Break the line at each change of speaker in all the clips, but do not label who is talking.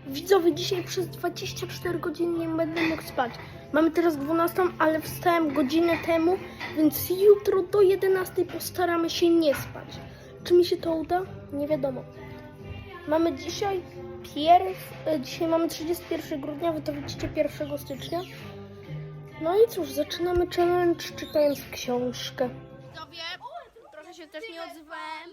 Widzowie, dzisiaj przez 24 godziny nie będę mógł spać. Mamy teraz 12, ale wstałem godzinę temu, więc jutro do 11 postaramy się nie spać. Czy mi się to uda? Nie wiadomo. Mamy dzisiaj dzisiaj mamy 31 grudnia, wy to widzicie 1 stycznia. No i cóż, zaczynamy challenge czytając książkę.
Widzowie, trochę się też nie odzywałem.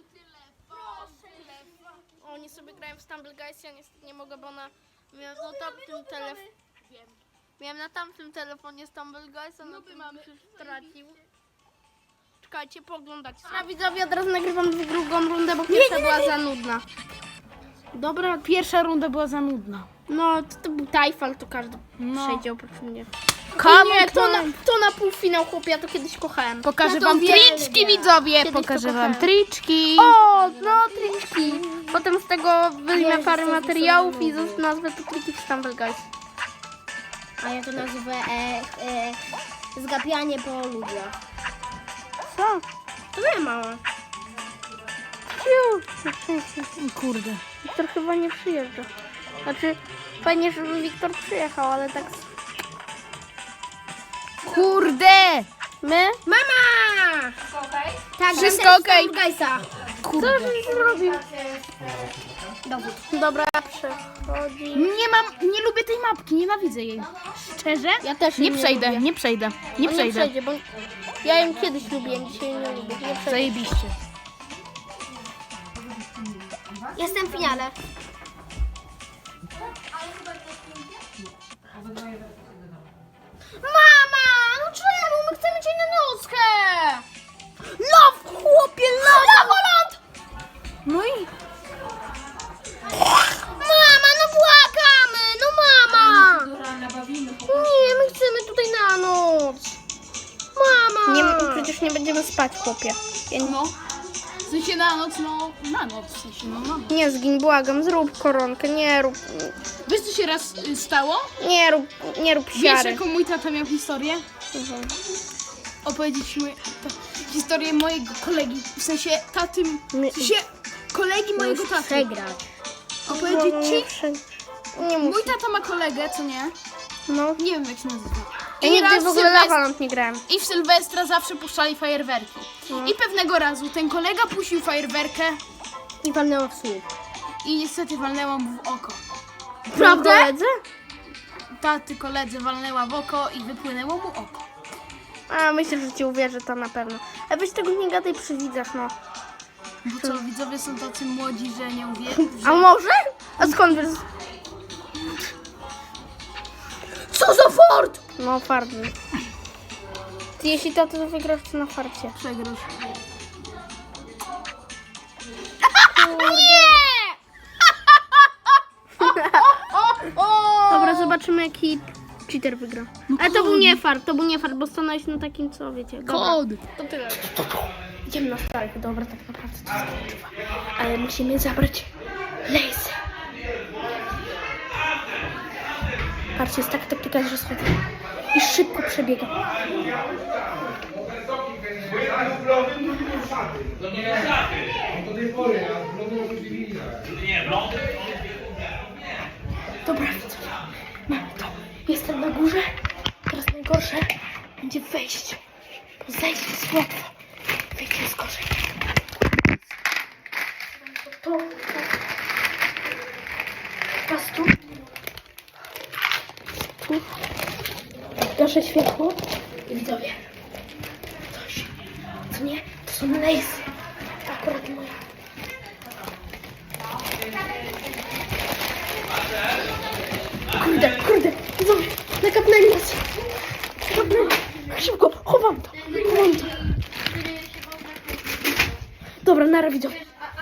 Oni sobie grają w Stumble Guys, ja niestety nie mogę, bo miałem na tamtym telefonie. Miałem na tamtym telefonie Stumble Guys, a na tym się stracił. Czekajcie, pooglądać. A widzowie, od razu nagrywam drugą rundę, bo pierwsza była za nudna.
Dobra,
Pierwsza runda była za nudna.
No, to był Tajfal, to każdy przejdzie oprócz mnie.
Come
Nie, to na półfinał, chłopie, ja to kiedyś kochałem.
Pokażę
Ja to
wam
uwielbiam.
triczki, widzowie.
Kiedyś to
Pokażę wam
kochałem.
triczki.
O, no triki. Potem z tego wyjmę parę materiałów i nazwę to triki w Stumble Guys.
A ja to nazwę zgapianie po ludziach.
Co? To nie małe.
Kurde.
Wiktor chyba nie przyjeżdża. Znaczy, fajnie, żeby Wiktor przyjechał, ale tak...
Kurde!
My?
Mama! Tak,
Wszystko okej.
Gajsa.
Co żeś zrobił? Dobra, przechodzi.
Nie lubię tej mapki, nienawidzę jej. Szczerze?
Ja też
Nie
jej
przejdę,
lubię.
nie przejdę. Nie
On
przejdę.
przejdzie, bo ja ją kiedyś lubiłem, dzisiaj nie lubię. Nie przejdzie.
Zajebiście.
Jestem w finale.
Mama! No czemu? My chcemy cię na nockę! Love, chłopie, love! Lawoland!
No i
Mama, no błagamy! No mama! Nie, my chcemy tutaj na noc. Mama! Nie, przecież nie będziemy spać, chłopie.
no. W sensie na noc, no na noc. W sensie, no na noc.
Nie zgin, błagam, zrób koronkę, nie rób
Wiesz co się raz stało?
nie rób
Wiesz
siary.
jaką mój tata miał historię? Opowiedzieć mi historię mojego kolegi. W sensie tatym. W sensie kolegi mojego taty.
Przegrać.
Opowiedzieć ci?
Nie
Mój
muszę.
tata ma kolegę, co nie?
No.
Nie wiem jak się nazywa.
Ja
I
nigdy
raz
w ogóle Lawoland nie grałem.
I w Sylwestra zawsze puszczali fajerwerki.
No.
I pewnego razu ten kolega puścił fajerwerkę
I walnęła w słup.
i niestety walnęła mu w oko.
Prawda? Koledzy?
Taty koledze walnęła w oko i wypłynęło mu oko.
A myślę, że ci uwierzę, to na pewno. A weź tego nie gadaj przy widzach, no.
Bo co, widzowie są tacy młodzi, że nie uwierzą.
A może? A skąd wiesz?
Co za fort!
No, farty. Ty, jeśli to wygrasz, to na farcie.
Przegrasz.
Dobra, zobaczymy, jaki cheater wygra. Ale to był nie fart, bo stanąłeś na takim, co wiecie. Dobra.
Kod!
To tyle. Idziemy na starych, dobra, tak naprawdę to jest kluczowe. Ale musimy zabrać laser. Patrzcie, jest taka taktyka, że schodzę i szybko przebiegam. Dobra, widzowie, mamy to. Jestem na górze. Teraz najgorsze będzie wejść. Bo zejść jest łatwe. Wejść jest gorzej. To. Teraz tu. Tu. Gaszę światło. I widzowie. Coś. Co nie? To są lejsy. Akurat moja. Kurde. Widzowie. Nakapnęli nas. Szybko. Chowam to. Dobra, nara widzowie.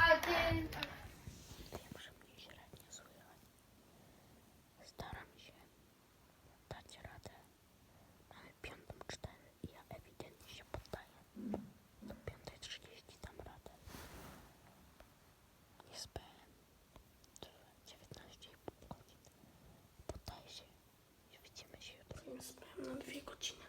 Staram się dać radę. Mamy 5:04 i ja ewidentnie się poddaję. Do 5:30 dam radę. Nie spałem 19,5 godzin. Poddaję się i widzimy się jutro. Nie spałem na 2 godziny.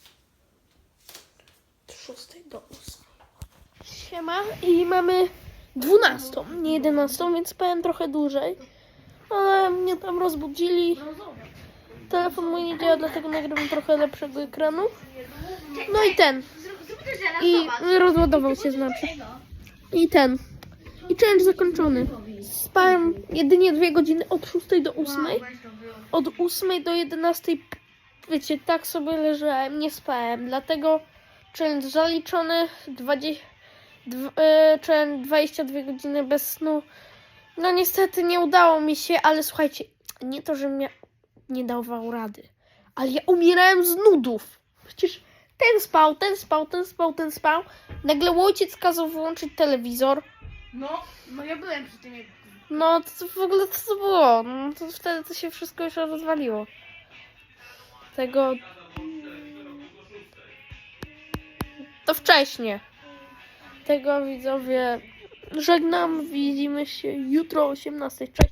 Od 6 do 8. Siema i mamy
12, nie 11, więc spałem trochę dłużej. Ale mnie tam rozbudzili. Telefon mój nie działa, dlatego nagrywam trochę lepszego ekranu. No i ten. I rozładował się znaczy. I ten. I challenge zakończony. Spałem jedynie 2 godziny od 6 do 8. Od 8 do 11. Wiecie, tak sobie leżałem, nie spałem. Dlatego challenge zaliczony. 22 godziny bez snu. No niestety nie udało mi się, ale słuchajcie, nie to, że mnie nie dawał rady, ale ja umierałem z nudów. Przecież ten spał, ten spał, ten spał, ten spał. Nagle ojciec kazał wyłączyć telewizor.
No ja byłem przy tym.
No to w ogóle co to było? No, to wtedy to się wszystko już rozwaliło. Tego... To wcześnie. Tego widzowie żegnam. Widzimy się jutro o 18:00. Cześć.